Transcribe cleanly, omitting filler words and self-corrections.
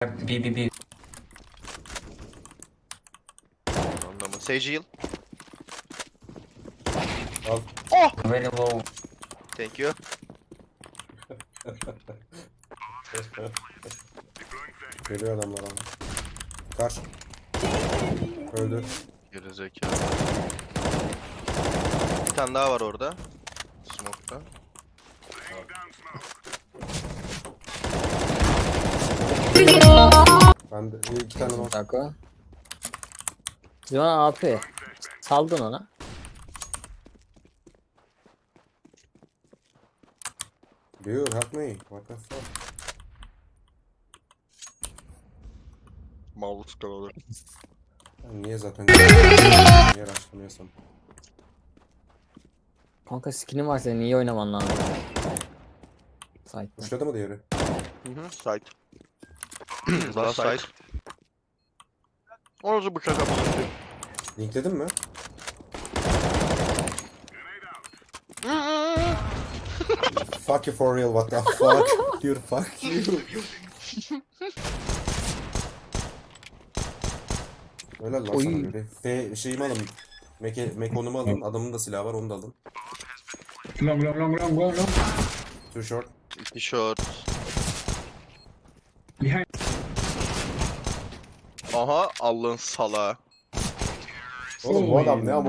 B. Anlama. Sage heal. Al. Oh! Very low. Thank you. Geliyor adamlar ama. Kaç. Öldü. Gerizekalı. Bir tane daha var orada. Smoke'ta. Ben de iki tane var. Dakika. Joan AP. Saldın ona. Dude, help me. What the fuck? Mouse kanalı. Ben niye zaten niye araştırmıyorsam. Kanka skinin var senin, iyi oynaman lazım. Site'da. Uçladı mı diğeri? Site. Daha site. Orası bıçak yapıyor. Linkledin mi? Fuck you for real, what the fuck? Dude, fuck you. Öyle lan Oy. sana böyle. Şeyimi alın. Mekonumu alın. Adamın da silahı var, onu da alın. Long. Too short. İki short. Behind. Aha Allah'ın salağı. Oğlum bu adam ne ama